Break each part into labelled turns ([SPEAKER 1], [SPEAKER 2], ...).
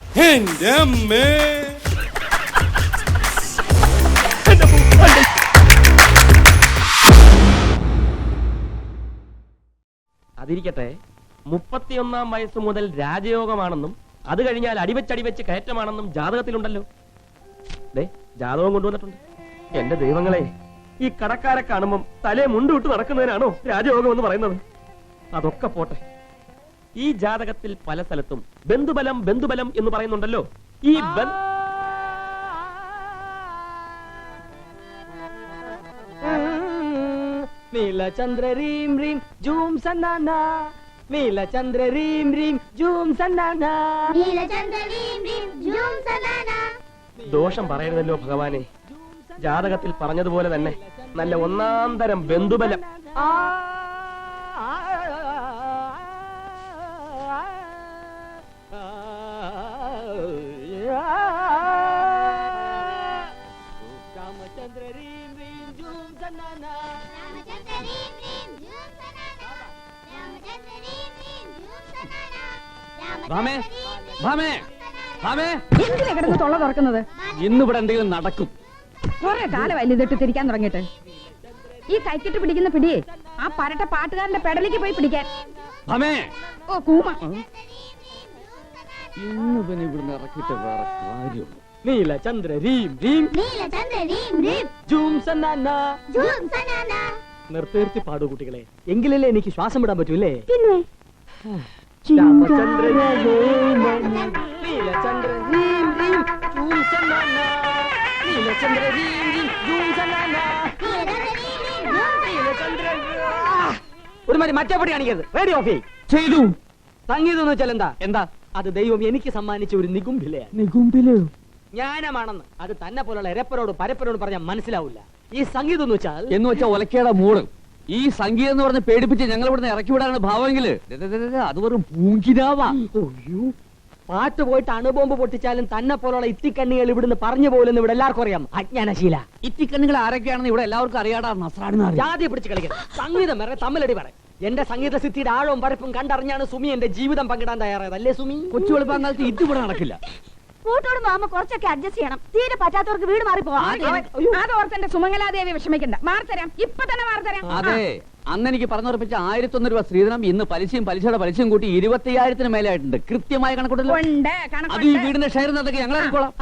[SPEAKER 1] എന്റെ അമ്മേ.
[SPEAKER 2] അതിരിക്കട്ടെ, 31-ാം വയസ്സ് മുതൽ രാജയോഗമാണെന്നും അത് കഴിഞ്ഞാൽ അടിവെച്ചടിവെച്ച് കയറ്റമാണെന്നും ജാതകത്തിലുണ്ടല്ലോ. ജാതകം കൊണ്ടുവന്നിട്ടുണ്ട്. എന്റെ ദൈവങ്ങളെ, ഈ കടക്കാരെ കാണുമ്പം തലേ മുണ്ടുവിട്ട് നടക്കുന്നതിനാണോ രാജയോഗം എന്ന് പറയുന്നത്? അതൊക്കെ പോട്ടെ, ഈ ജാതകത്തിൽ പല സ്ഥലത്തും ബന്ധുബലം ബന്ധുബലം എന്ന് പറയുന്നുണ്ടല്ലോ. ഈ
[SPEAKER 3] നീലചന്ദ്ര റീം റീം ജൂം സന്നാന, നീലചന്ദ്ര റീം റീം ജൂം സന്നാന,
[SPEAKER 4] നീലചന്ദ്ര റീം റീം ജൂം സന്നാന.
[SPEAKER 2] ദോഷം പറയരുതല്ലോ ഭഗവാനെ. ജാതകത്തിൽ പറഞ്ഞതുപോലെ തന്നെ നല്ല ഒന്നാം തരം ബന്ധുബലം.
[SPEAKER 3] രാമചന്ദ്ര റീം റീം ജൂം സന്നാന,
[SPEAKER 4] രാമചന്ദ്ര റീം റീം ജൂം സന്നാന, രാമചന്ദ്ര റീം റീം ജൂം സന്നാന.
[SPEAKER 5] ഭാമേ, ഭാമേ, ഭാമേ,
[SPEAKER 6] എന്തിനാ കിടന്ന് തൊള്ള തുറക്കുന്നത്?
[SPEAKER 5] ഇന്നിവിടെ എന്തെങ്കിലും നടക്കും.
[SPEAKER 6] കുറെ കാലമല്ല ഇതിട്ട് തിരിക്കാൻ തുടങ്ങിയിട്ട്. ഈ കൈക്കിട്ട് പിടിക്കുന്ന പിടിയെ ആ പരട്ട പാട്ടുകാരന്റെ പെടലേക്ക് പോയി പിടിക്കാൻ.
[SPEAKER 5] ഭാമേ,
[SPEAKER 6] ഓ കൂമ.
[SPEAKER 5] ഇന്ന് പിന്നെ ഇവിടുന്ന് ഇറക്കിയിട്ട് വേറെ കാര്യമുള്ളൂ.
[SPEAKER 3] നീലചന്ദ്ര റീം റീം
[SPEAKER 4] നീലചന്ദ്ര റീം റീം
[SPEAKER 3] ജൂം സന്നാന.
[SPEAKER 4] ജൂം സന്നാന.
[SPEAKER 3] നിർത്തി പാടൂ കുട്ടികളെ, എങ്കിലല്ലേ എനിക്ക് ശ്വാസം വിടാൻ പറ്റൂല്ലേ?
[SPEAKER 6] പിന്നെ
[SPEAKER 3] രാമചന്ദ്ര നീലചന്ദ്ര റീം റീം ജൂം സന്നാന, നീലചന്ദ്ര റീം റീം ജൂം സന്നാന, നീലചന്ദ്ര. ഒരു മാതിരി മറ്റേ പടി കാണിക്കരുത്. റേഡിയോ ഓഫ്
[SPEAKER 5] ചെയ്തു.
[SPEAKER 3] സംഗീതം എന്ന് വെച്ചാൽ എന്താ?
[SPEAKER 5] എന്താ
[SPEAKER 3] അത് ദൈവം എനിക്ക് സമ്മാനിച്ച ഒരു നികുംഭിലയാണ്.
[SPEAKER 5] നികുംബിലോ?
[SPEAKER 3] ജ്ഞാനമാണെന്ന് അത് തന്നെ പോലുള്ള എരപ്പരോട് പരപ്പരോട് പറഞ്ഞാൽ മനസ്സിലാവില്ല. ഈ സംഗീതം എന്ന്
[SPEAKER 5] വെച്ചാൽ ഒലക്കേടെ മൂട്. ഈ സംഗീതം എന്ന് പറഞ്ഞ് പേടിപ്പിച്ച് ഞങ്ങൾ ഇവിടുന്ന് ഇറക്കി വിടാനാണ് ഭാവമെങ്കില് അത് വെറും പൂങ്കിനാവാ.
[SPEAKER 3] പാട്ട് പോയിട്ട് അണുബോംബ് പൊട്ടിച്ചാലും തന്നെ പോലുള്ള ഇത്തിക്കണ്ണികൾ ഇവിടുന്ന് പറഞ്ഞു പോലെന്ന് ഇവിടെ എല്ലാവർക്കും അറിയാം. അജ്ഞാനശീല.
[SPEAKER 5] ഇത്തിക്കണ്ണുകൾ ആരൊക്കെയാണെന്ന് ഇവിടെ എല്ലാവർക്കും അറിയാടാ. നസ്രാണെന്ന്
[SPEAKER 3] ജാതി പിടിച്ച് കളിക്കണം. സംഗീതം വേറെ തമ്മിലടി പറ. എന്റെ സംഗീത സിദ്ധിയുടെ ആഴവും പരപ്പും കണ്ടറിഞ്ഞാണ് സുമി എന്റെ ജീവിതം പങ്കിടാൻ തയ്യാറായത്. അല്ലേ സുമി?
[SPEAKER 5] കൊച്ചു വെളുപ്പാങ്കാലത്ത് ഇതിവിടെ നടക്കില്ല.
[SPEAKER 6] കൂട്ടോട് മാമ കുറച്ചൊക്കെ അഡ്ജസ്റ്റ് ചെയ്യണം. തീരെ പറ്റാത്തവർക്ക് വീട് മാറി പോവാം. അത് ഓർത്ത് സുമംഗലാദേവി വിഷമിക്കണ്ട. മാറിത്തരാം, ഇപ്പൊ തന്നെ മാറിത്തരാം.
[SPEAKER 5] അതെ, അന്ന് എനിക്ക് പറഞ്ഞുറപ്പിച്ച 1001 രൂപ സ്ത്രീധനം ഇന്ന് പലിശയും പലിശയുടെ പലിശയും കൂട്ടി 25,000 മേലായിട്ടുണ്ട്. കൃത്യമായ കണക്കൂട്ടല്ലോ. അത് ഈ വീടിന്റെ ഷെയർ നടക്കി ഞങ്ങൾ ഇറക്കോളാം.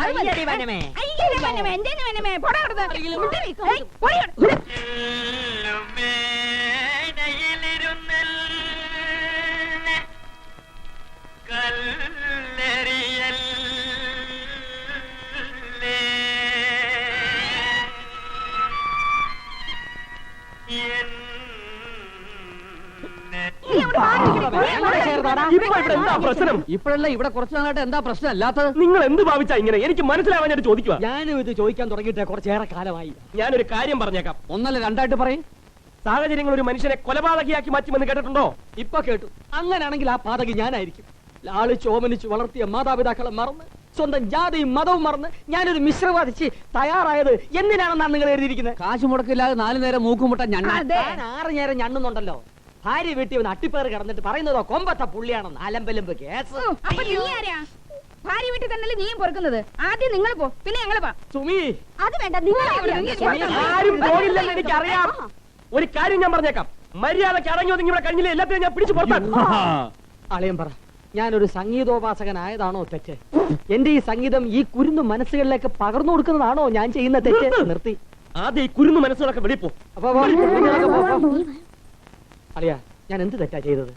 [SPEAKER 5] ഇപ്പോഴല്ല, ഇവിടെ കുറച്ചു നാളായിട്ട് എന്താ പ്രശ്നം അല്ലാത്തത്?
[SPEAKER 2] നിങ്ങൾ എന്ത് ഭാവിച്ചാ ഇങ്ങനെ? എനിക്ക് മനസ്സിലാവാനായിട്ട് ചോദിക്കുക.
[SPEAKER 3] ഞാനും ഇത് ചോദിക്കാൻ തുടങ്ങിയിട്ട് കുറച്ചേറെ കാലമായി.
[SPEAKER 2] ഞാനൊരു കാര്യം പറഞ്ഞേക്കാം.
[SPEAKER 5] ഒന്നല്ല രണ്ടായിട്ട് പറയും.
[SPEAKER 2] സാഹചര്യങ്ങൾ ഒരു മനുഷ്യനെ കൊലപാതകിയാക്കി മാറ്റുമെന്ന് കേട്ടിട്ടുണ്ടോ?
[SPEAKER 3] ഇപ്പൊ കേട്ടു. അങ്ങനെയാണെങ്കിൽ ആ പാതകി ഞാനായിരിക്കും. ലാളിച്ച് ഓമനിച്ച് വളർത്തിയ മാതാപിതാക്കളെ മറന്ന് സ്വന്തം ജാതിയും മതവും മറന്ന് ഞാനൊരു മിശ്രവാദിച്ച് തയ്യാറായത് എന്തിനാണെന്നാണ് നിങ്ങൾ എഴുതിയിരിക്കുന്നത്?
[SPEAKER 5] കാശ് മുടക്കില്ലാതെ 4 നേരം മൂക്കുമുട്ട ഞാൻ
[SPEAKER 3] 6 നേരം ഞണ്ണുന്നുണ്ടല്ലോ. ഭാര്യ വീട്ടിൽ ഒന്ന് അട്ടിപ്പേറ് കിടന്നിട്ട് പറയുന്നതോ കൊമ്പത്ത പുള്ളിയാണെന്ന്. അലമ്പലമ്പ് കേസ്.
[SPEAKER 6] ഭാര്യ വീട്ടിൽ തന്നെ നീയും പൊറുക്കുന്നത്. ആദ്യം നിങ്ങൾ പോ, പിന്നെ ഞങ്ങൾ പോ.
[SPEAKER 3] സുമി,
[SPEAKER 6] അത് വേണ്ട, നിങ്ങൾ
[SPEAKER 2] ആരും പോകില്ലെന്ന് എനിക്കറിയാം. ഒരു കാര്യം ഞാൻ പറഞ്ഞേക്കാം. മര്യാദക്ക് അടങ്ങി ഒതുങ്ങി ഇവിടെ കഴിഞ്ഞില്ല. എല്ലാത്തിനും ഞാൻ പിടിച്ചു പുറത്താക്കും.
[SPEAKER 3] അളിയൻ പറ, ഞാനൊരു സംഗീതോപാസകനായതാണോ തെറ്റ്? എന്റെ ഈ സംഗീതം ഈ കുരുന്നു മനസ്സുകളിലേക്ക് പകർന്നു കൊടുക്കുന്നതാണോ ഞാൻ ചെയ്യുന്ന തെറ്റ്? നിർത്തി.
[SPEAKER 2] ആദ്യം ഈ കുരുന്നു മനസ്സുകളൊക്കെ വെളിപ്പോ.
[SPEAKER 3] അളിയ, ഞാൻ എന്ത് തെറ്റാ ചെയ്തത്?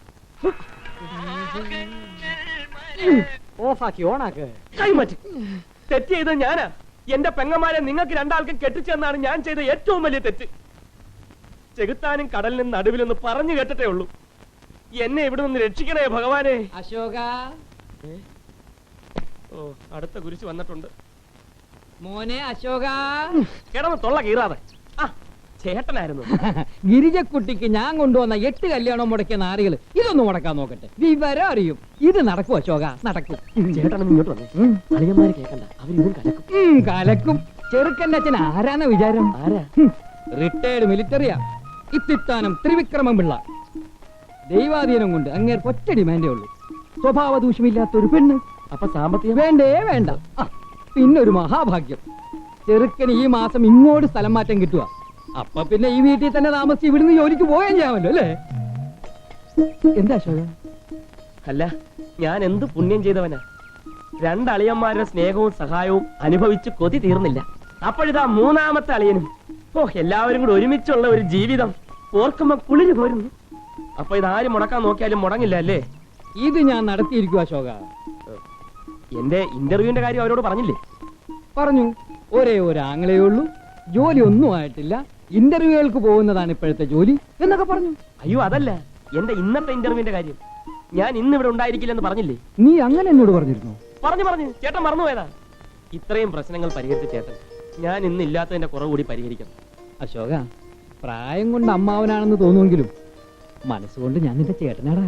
[SPEAKER 3] ഓഫാക്കി ഓണാക്ക്.
[SPEAKER 2] കൈമാറ്റി. തെറ്റ് ചെയ്തത് ഞാനാ. എന്റെ പെങ്ങന്മാരെ നിങ്ങൾക്ക് രണ്ടാൾക്കും കെട്ടിച്ചെന്നാണ് ഞാൻ ചെയ്ത ഏറ്റവും വലിയ തെറ്റ്. ചെകുത്താനും കടലിനും നടുവിലൊന്ന് പറഞ്ഞു കേട്ടിട്ടേ ഉള്ളൂ. എന്നെ ഇവിടെ നിന്ന് രക്ഷിക്കണേ ഭഗവാനെ.
[SPEAKER 3] അശോക,
[SPEAKER 2] ഓ, അടുത്ത കുരിശ് വന്നിട്ടുണ്ട്.
[SPEAKER 3] മോനെ അശോക,
[SPEAKER 2] കിടന്ന് തൊള്ള കീറാതെ. ആ, ചേട്ടനായിരുന്നു.
[SPEAKER 7] ഗിരിജക്കുട്ടിക്ക് ഞാൻ കൊണ്ടുവന്ന 8 കല്യാണം മുടക്കിയ നാരികൾ ഇതൊന്നും മുടക്കാൻ നോക്കട്ടെ. വിവരം അറിയും. ഇത് നടക്കും അശോക, നടക്കും.
[SPEAKER 2] ചേട്ടൻ ഇങ്ങോട്ട് വന്നേ. അളിയന്മാര് കേൾക്കണ്ട, അവരിതും കലക്കും.
[SPEAKER 7] കലക്കും. ചെറുക്കൻ്റെ അച്ഛൻ ആരാന്ന വിചാരം?
[SPEAKER 2] ആരാ?
[SPEAKER 7] റിട്ടയർഡ് മിലിറ്ററിയാ. ഇത്തിത്താനം ത്രിവിക്രമം പിള്ള. ദൈവാധീനം കൊണ്ട് അങ്ങേർക്ക് ഒറ്റ ഡിമാൻഡേ ഉള്ളൂ. സ്വഭാവ ദൂഷ്യമില്ലാത്തൊരു പെണ്ണ്.
[SPEAKER 2] അപ്പൊ സാമ്പത്തികം
[SPEAKER 7] വേണ്ടേ വേണ്ട ആ, പിന്നൊരു മഹാഭാഗ്യം, ചെറുക്കന് ഈ മാസം ഇങ്ങോട്ട് സ്ഥലം മാറ്റം കിട്ടുക. അപ്പൊ പിന്നെ ഈ വീട്ടിൽ തന്നെ താമസിച്ച് ഇവിടുന്ന് ജോലിക്ക് പോയാൽ ചെയ്യാമല്ലോ അല്ലേ? എന്താ അശോക?
[SPEAKER 2] അല്ല, ഞാൻ എന്ത് പുണ്യം ചെയ്തവനാ. രണ്ടളിയന്മാരുടെ സ്നേഹവും സഹായവും അനുഭവിച്ച് കൊതി തീർന്നില്ല. അപ്പോഴിതാ മൂന്നാമത്തെ അളിയനും. ഓ, എല്ലാവരും കൂടെ ഒരുമിച്ചുള്ള ഒരു ജീവിതം ഓർക്കുമ്പോ കുളിര് പോരുന്നു. അപ്പൊ ഇതാരും മുടക്കാൻ നോക്കിയാലും മുടങ്ങില്ല അല്ലേ?
[SPEAKER 7] ഇത് ഞാൻ നടത്തിയിരിക്കും അശോക.
[SPEAKER 2] എന്റെ ഇന്റർവ്യൂവിന്റെ കാര്യം അവരോട് പറഞ്ഞില്ലേ?
[SPEAKER 7] പറഞ്ഞു, ഒരേ ഒരു ആങ്ങളേ ഉള്ളൂ, ജോലി ഒന്നും ആയിട്ടില്ല, ഇന്റർവ്യൂകൾക്ക് പോകുന്നതാണ് ഇപ്പോഴത്തെ ജോലി എന്നൊക്കെ പറഞ്ഞു.
[SPEAKER 2] അയ്യോ, അതല്ല, എന്റെ ഇന്നത്തെ ഇന്റർവ്യൂവിന്റെ കാര്യം. ഞാൻ ഇന്ന് ഇവിടെ ഉണ്ടായിരിക്കില്ലെന്ന് പറഞ്ഞില്ലേ?
[SPEAKER 7] നീ അങ്ങനെ എന്നോട് പറഞ്ഞിരുന്നു?
[SPEAKER 2] പറഞ്ഞു ചേട്ടൻ മറന്നുപോയതാ. ഇത്രയും പ്രശ്നങ്ങൾ പരിഹരിച്ച ചേട്ടൻ ഞാൻ ഇന്ന് ഇല്ലാത്തതിന്റെ കുറവ് കൂടി പരിഹരിക്കണം.
[SPEAKER 7] അശോക, പ്രായം കൊണ്ട് അമ്മാവനാണെന്ന് തോന്നുമെങ്കിലും മനസ്സുകൊണ്ട് ഞാൻ നിന്റെ ചേട്ടനാടാ.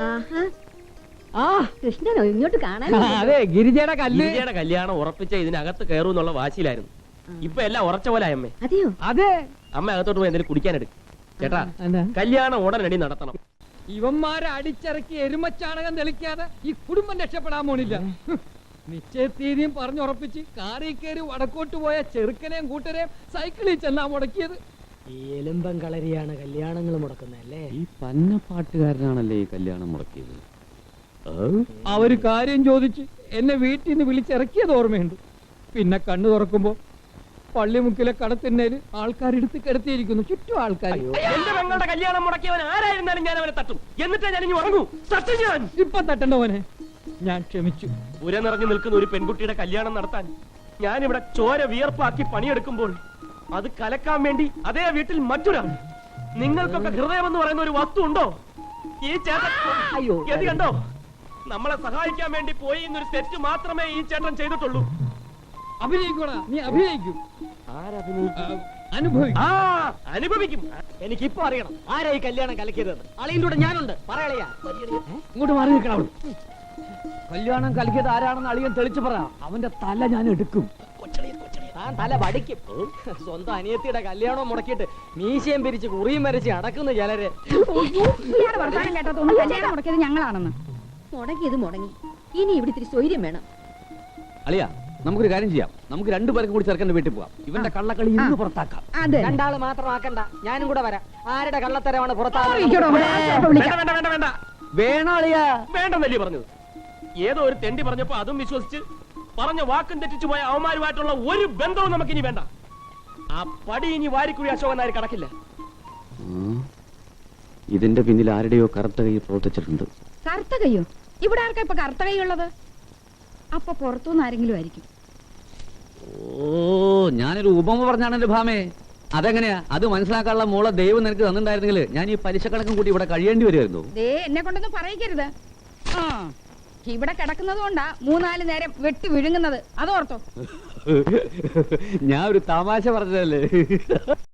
[SPEAKER 7] ആ
[SPEAKER 6] കൃഷ്ണനോ ഇങ്ങോട്ട് കാണാൻ?
[SPEAKER 7] അതെ, ഗിരിജയുടെ കല്ല്.
[SPEAKER 2] ഗിരിജയുടെ കല്യാണം ഉറപ്പിച്ച ഇതിനകത്ത് കയറും എന്നുള്ള വാശിയിലായിരുന്നു. ഇപ്പൊ എല്ലാം ഉറച്ച പോലെ അമ്മേ.
[SPEAKER 6] അതെയോ?
[SPEAKER 7] അതെ.
[SPEAKER 2] അമ്മ അകത്തോട്ട് പോയി എന്തെങ്കിലും കുടിക്കാനെടുക്കും. ചേട്ടാ,
[SPEAKER 7] എന്താ?
[SPEAKER 2] കല്യാണം ഉടനടി നടത്തണം.
[SPEAKER 7] ഇവന്മാരെ അടിച്ചിറക്കി എരുമച്ചാണകം തെളിക്കാതെ ഈ കുടുംബം രക്ഷപ്പെടാൻ പോണില്ല. നിശ്ചയത്തീയതിയും പറഞ്ഞുറപ്പിച്ച് കാറിൽ കയറി വടക്കോട്ട് പോയ ചെറുക്കനെയും കൂട്ടരെയും സൈക്കിളിൽ ചെന്നാ മുടക്കിയത്.
[SPEAKER 3] ഈ എലുമ്പം കളരിയാണ് കല്യാണങ്ങൾ മുടക്കുന്നല്ലേ?
[SPEAKER 5] ഈ പന്നപ്പാട്ടുകാരനാണല്ലേ ഈ കല്യാണം മുടക്കിയത്.
[SPEAKER 7] അവര് കാര്യം ചോദിച്ച് എന്നെ വീട്ടിൽ നിന്ന് വിളിച്ചിറക്കിയത് ഓർമ്മയുണ്ട്. പിന്നെ കണ്ണു തുറക്കുമ്പോ പള്ളിമുക്കിലെ കടത്തിന്നേല് ആൾക്കാരെടുത്ത് കിടത്തിയിരിക്കുന്നു, ചുറ്റും ആൾക്കാർ.
[SPEAKER 2] എന്റെ പെങ്ങളുടെ കല്യാണം മുടക്കിയവൻ ആരായിരുന്നാലും ഞാൻ അവനെ തട്ടും. എന്നിട്ടേ ഞാൻ ഇനി ഉറങ്ങൂ. തട്ടും ഞാൻ.
[SPEAKER 7] ഇപ്പൊ തട്ടണ്ടവനെ ഞാൻ ക്ഷമിച്ചു.
[SPEAKER 2] പുര നിറഞ്ഞു നിൽക്കുന്ന ഒരു പെൺകുട്ടിയുടെ കല്യാണം നടത്താൻ ഞാനിവിടെ ചോര വിയർപ്പാക്കി പണിയെടുക്കുമ്പോൾ അത് കലക്കാൻ വേണ്ടി അതേ വീട്ടിൽ മറ്റൊരാൾ. നിങ്ങൾക്കൊക്കെ ഹൃദയം എന്ന് പറയുന്ന ഒരു വസ്തു ഉണ്ടോ? ഈ ചേട്ടൻ ഗതി കണ്ടോ? നമ്മളെ സഹായിക്കാൻ വേണ്ടി പോയി എന്നൊരു തെറ്റ് മാത്രമേ ഈ ചേട്ടൻ ചെയ്തിട്ടുള്ളൂ.
[SPEAKER 7] അഭിനയിക്കൂടാ, നീ അഭിനയിക്കും.
[SPEAKER 2] ആരഭിനയിക്കും?
[SPEAKER 7] അനുഭവിക്കും.
[SPEAKER 2] ആ, അനുഭവിക്കും.
[SPEAKER 3] എനിക്കിപ്പോ അറിയണം ആരാ ഈ കല്യാണം കലക്കിയത്. അളിയന്റെ കൂടെ ഞാനുണ്ട്, പറയളയാ.
[SPEAKER 7] ഇങ്ങോട്ട് മാറി നിൽക്കണം അവിടെ. കല്യാണം കലക്കിയത് ആരാണെന്ന് അളിയൻ തെളിച്ചു പറ, അവന്റെ തല ഞാൻ എടുക്കും.
[SPEAKER 3] താൻ തല വടിക്കും. സ്വന്തം അനിയത്തിയുടെ കല്യാണം മുടക്കിയിട്ട് മീശയും പിരിച്ച് കുറിയും വരച്ച് അടക്കുന്നു ചിലര്.
[SPEAKER 6] ഇയാളുടെ വർത്തമാനം കേട്ടാ തോന്നുന്നു കല്യാണം മുടക്കിയത് ഞങ്ങളാണെന്ന്.
[SPEAKER 1] മുടങ്ങിയത് മുടങ്ങി, ഇനി ഇവിടെ ഇത്തിരി സ്വൈര്യം വേണം.
[SPEAKER 5] അളിയ, നമുക്കൊരു കാര്യം ചെയ്യാം. നമുക്ക് രണ്ടുപേർക്കും കൂടി ചെറുക്കന്റെ വീട്ടിൽ പോവാം. ഇവന്റെ കള്ളക്കളി ഇന്ന് പുറത്താക്കാം.
[SPEAKER 6] അതെ.
[SPEAKER 3] രണ്ടാള് മാത്രമാക്കണ്ട, ഞാനും കൂടെ വരാം. ആരുടെ കള്ളത്തരമാണ്
[SPEAKER 6] ഇരിക്കടോ,
[SPEAKER 3] പുറത്താകുന്നത്?
[SPEAKER 2] വേണ്ട വേണ്ട വേണ്ട വേണ്ട
[SPEAKER 5] വേണോ അളിയ?
[SPEAKER 2] വേണ്ടെന്നല്ലേ പറഞ്ഞത്? ഏതോ ഒരു തെണ്ടി പറഞ്ഞപ്പോ അതും വിശ്വസിച്ച് പറഞ്ഞ വാക്കും തെറ്റിച്ചു പോയ അവന്മാരുമായിട്ടുള്ള ഒരു ബന്ധവും നമുക്കിനി വേണ്ട. ആ പടി ഇനി വാരിക്കുഴി അശോകൻ നായർ കടക്കില്ല.
[SPEAKER 5] ഇതിന്റെ പിന്നിൽ ആരുടെയോ കറുത്ത കൈ പ്രവർത്തിച്ചിട്ടുണ്ട്.
[SPEAKER 6] കറുത്ത കയ്യോ? ഇവിടെ ആർക്കാ ഇപ്പൊ കറുത്ത കൈ ഉള്ളത്? അപ്പൊ പുറത്തുനിന്ന് ആരെങ്കിലും ആയിരിക്കും.
[SPEAKER 5] ഓ, ഞാനൊരു ഉപമ പറഞ്ഞാണ് എന്റെ ഭാമേ. അതെങ്ങനെയാ? അത് മനസ്സിലാക്കാനുള്ള മോളെ ദൈവം നിനക്ക് തന്നിട്ടുണ്ടായിരുന്നെങ്കിൽ ഞാൻ ഈ പലിശ കണക്കും കൂടി ഇവിടെ കഴിയേണ്ടി വരുമായിരുന്നു.
[SPEAKER 6] ദേ, എന്നെ കൊണ്ടൊന്നും പറയിക്കരുത്. ആ, ഇവിടെ കിടക്കുന്നത് കൊണ്ടാ 3-4 നേരം വെട്ടി വിഴുങ്ങുന്നത്, അതോർത്തോ.
[SPEAKER 5] ഞാൻ ഒരു തമാശ പറഞ്ഞതല്ലേ.